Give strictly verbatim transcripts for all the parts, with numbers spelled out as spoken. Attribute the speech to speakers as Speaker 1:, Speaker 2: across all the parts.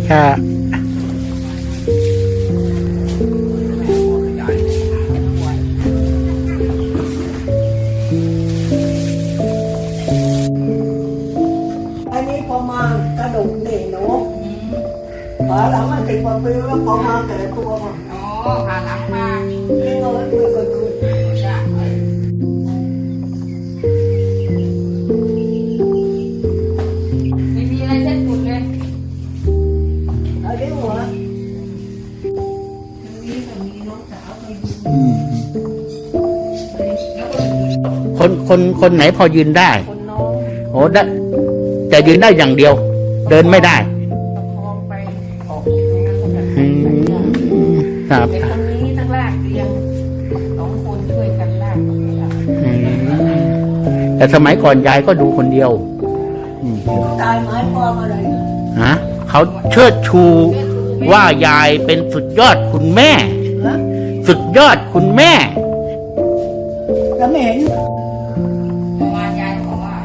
Speaker 1: ค่ะ
Speaker 2: อันนี้พอมากระดูกนี่หนูขาหลังมันติดกว่าปีแล้วพอมาแก่ตัวมา
Speaker 3: อ๋อขาหลังมา
Speaker 2: ที่เงินไม่เคยคืน
Speaker 3: ไม่มีอะไรเช็ดฝุ่นเลย
Speaker 2: อันนี้หัว
Speaker 1: คนคนคนไหนพอยืนได้
Speaker 2: คนน้อง
Speaker 1: โอ้ได้แต่ยืนได้อย่างเดียว เดินไม่ได้
Speaker 3: ประคองไปออกอย่างนั้นก็แบบ
Speaker 1: อืมครับ
Speaker 3: เด็กคนนี้ทั้งลากเรียงสองคนช่วยกันลาก
Speaker 1: อืมแต่สมัยก่อนยายก็ดูคนเดียวอืม
Speaker 2: ตายหมายความอะไร
Speaker 1: ฮะเขาเชิดชูว่ายายเป็นสุดยอดคุณแม่
Speaker 2: ฮะ
Speaker 1: สุดยอดคุณแม่
Speaker 2: แล้วไม่เห็น
Speaker 3: ประมาณยายบอกว่า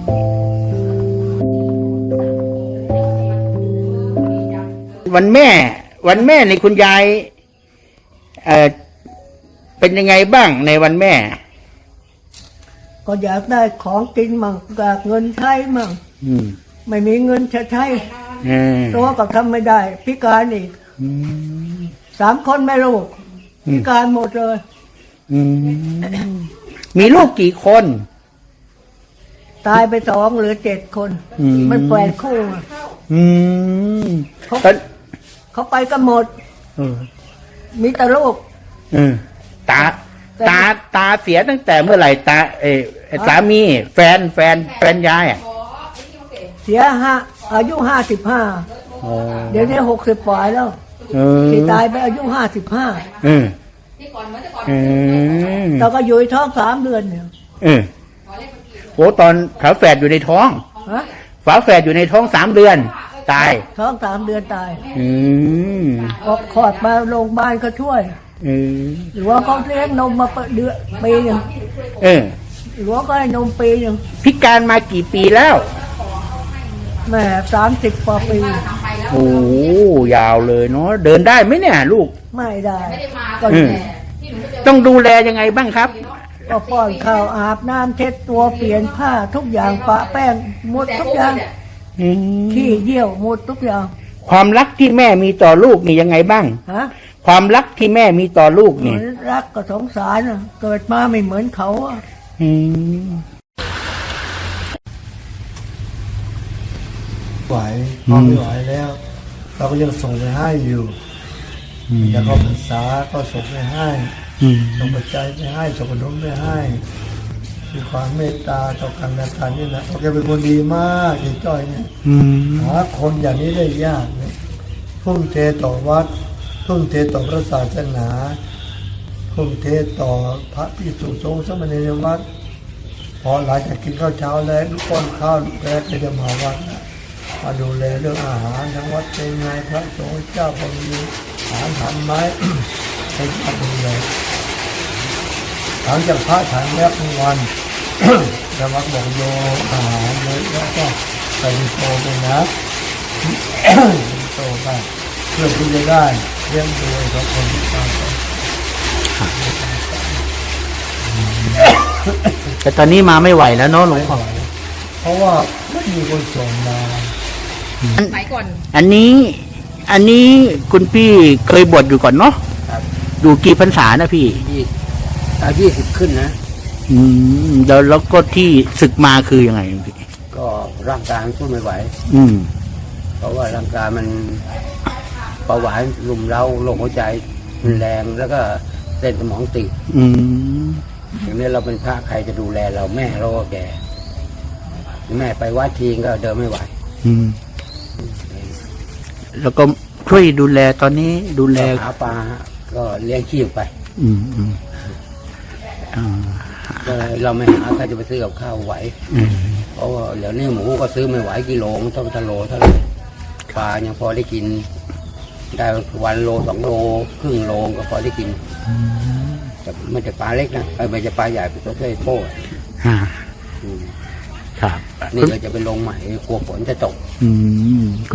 Speaker 1: วันแม่ วันแม่ในคุณยายเอ่อเป็นยังไงบ้างในวันแม่
Speaker 2: ก็อยากได้ของกินมั่งอยากเงินใช้มั่ง
Speaker 1: อืม
Speaker 2: ไม่มีเงินจะใช้
Speaker 1: เออ
Speaker 2: ตัวก็ทำไม่ได้ พิการอีก
Speaker 1: อืม
Speaker 2: สามคนแม่ลูก
Speaker 1: อืม
Speaker 2: พิการหมดเลย
Speaker 1: อืมมีลูกกี่คน
Speaker 2: ตายไปสองเหลือเจ็ดคน
Speaker 1: อืม
Speaker 2: มันแปดคู่อะ
Speaker 1: อืม
Speaker 2: เขา
Speaker 1: ตอน
Speaker 2: เขาไปกันหมด
Speaker 1: เออ
Speaker 2: มีแต่ลูก
Speaker 1: เออตา ตาตาเสียตั้งแต่เมื่อไหร่ตาเออสามีแฟนแฟนแฟนยายอ่ะ
Speaker 2: เสียห้าอายุห้าสิบห้า
Speaker 1: อ๋อ
Speaker 2: เดี๋ยวนี้หกสิบปลายแล้ว
Speaker 1: เออ
Speaker 2: ที่ตายไปอายุห้าสิบห้า
Speaker 1: เออ
Speaker 3: ที่ก่อนเหมือนแต่ก่อน
Speaker 1: เออ
Speaker 2: เราก็อยู่ในท้องสามเดือนเนี่ย
Speaker 1: เออโอ้ตอนฝาแฝดอยู่ในท้อง
Speaker 2: ฮะ
Speaker 1: ฝาแฝดอยู่ในท้องสามเดือน ตาย
Speaker 2: ท้องสามเดือนตาย
Speaker 1: อืม
Speaker 2: ออกคลอดมาโรงพยาบาลก็ช่วย
Speaker 1: เออ
Speaker 2: หรือว่าเขาเลี้ยงนมมาเดือนปีหนึ่ง
Speaker 1: เออ
Speaker 2: หรือว่าก็ให้นมปีหนึ่ง
Speaker 1: พิการมากี่ปีแล้ว
Speaker 2: แม่สามสิบกว่าปี
Speaker 1: โอ้ยาวเลยเนาะเดินได้ไหมเนี่ยลูก
Speaker 2: ไม่ได้ก็
Speaker 1: อืมต้องดูแลยังไงบ้างครับ
Speaker 2: ก็ป้อนข้าวอาบน้ำเช็ดตัวเปลี่ยนผ้าทุกอย่างปะแป้งหมดทุกอย่าง
Speaker 1: อืม
Speaker 2: ขี้เยี่ยวหมดทุกอย่าง
Speaker 1: ความรักที่แม่มีต่อลูกนี่ยังไงบ้าง
Speaker 2: ฮะ
Speaker 1: ความรักที่แม่มีต่อลูก
Speaker 2: เหมื
Speaker 1: นี่
Speaker 2: อนรักก็สงสารน่ะเกิดมาไม่เหมือนเขาอะ
Speaker 1: อืม
Speaker 4: ไหวพอไม่ไหวแล้ว เราก็ยังส่งไปให้อยู่อยากเข้าพรรษาก็ส่งไปให้
Speaker 1: อืม
Speaker 4: ส่งปัจจัยไปให้ส่งขนมไปให้มีความเมตตาต่อกันและกันนี่นะโอเคเป็นคนดีมากเจ๊จ้อยเนี่ย
Speaker 1: อืม
Speaker 4: หาคนอย่างนี้ได้ยากเนี่ยทุ่มเทต่อวัดทุ่มเทต่อพระศาสนาทุ่มเทต่อพระภิกษุสงฆ์สามเณรในวัดพอหลังจากกินข้าวเช้าแล้วลูกป้อนข้าวลูกแรกก็จะมาวัดนะมาดูแลเรื่องอาหารทั้งวัดเป็นไงพระสงฆ์เจ้าพอมีอาหารทานไหม ให้พระดูแลหลังจากพระฉันแล้วทุกวัน แล้ววัดบอกโยอาหารเยอะแล้วก็ไปโตไปนะ โตไปเพื่อที่จะได้เลี้ยงดูกับคนที่ตายไป
Speaker 1: แต่ตอนนี้มาไม่ไหวแล้วเนาะหลวงพ่อ
Speaker 4: เพราะว่าไม่มีคนส่งมา
Speaker 3: สมัยก่อน
Speaker 1: อันนี้ อันนี้คุณพี่เคยบวชอยู่ก่อนเนาะอยู่กี่พรรษานะพี่
Speaker 5: ยี่อายี่สิบขึ้นนะ
Speaker 1: อืมแล้วแล้วก็ที่ศึกมาคือยังไงพี่
Speaker 5: ก็ร่างกายมันสู้ไม่ไหว
Speaker 1: อืม
Speaker 5: เพราะว่าร่างกายมันเบาหวานรุมเร้าโรคหัวใจรุนแรงแล้วก็เส้นสมองตีบ
Speaker 1: อืม
Speaker 5: อย่างนี้เราเป็นพระใครจะดูแลเราแม่เราก็แก่แม่ไปวัดทีก็เดินไม่ไหว
Speaker 1: อืม แล้วก็ช่วยดูแลตอนนี้ดูแล
Speaker 5: หาปลาก็เลี้ยงชีพไป
Speaker 1: อืมอืมอ่า
Speaker 5: ก็เราไม่หาใครจะไปซื้อกับข้าวไหว
Speaker 1: อืม
Speaker 5: เพราะว่าเดี๋ยวนี้หมูก็ซื้อไม่ไหวกิโลมันต้องทะโลเท่าไหร่ปลายังพอได้กิน ได้วันโลสองโลครึ่งโลก็พอได้กินแต่ไม่ใช่ปลาเล็กนะเออไม่ใช่ปลาใหญ่เป็นตัวเท่โป้
Speaker 1: อ่า
Speaker 5: อืม
Speaker 1: ครับ
Speaker 5: นี่เราจะไปลงใหม่กลัวฝนจะตก
Speaker 1: อืม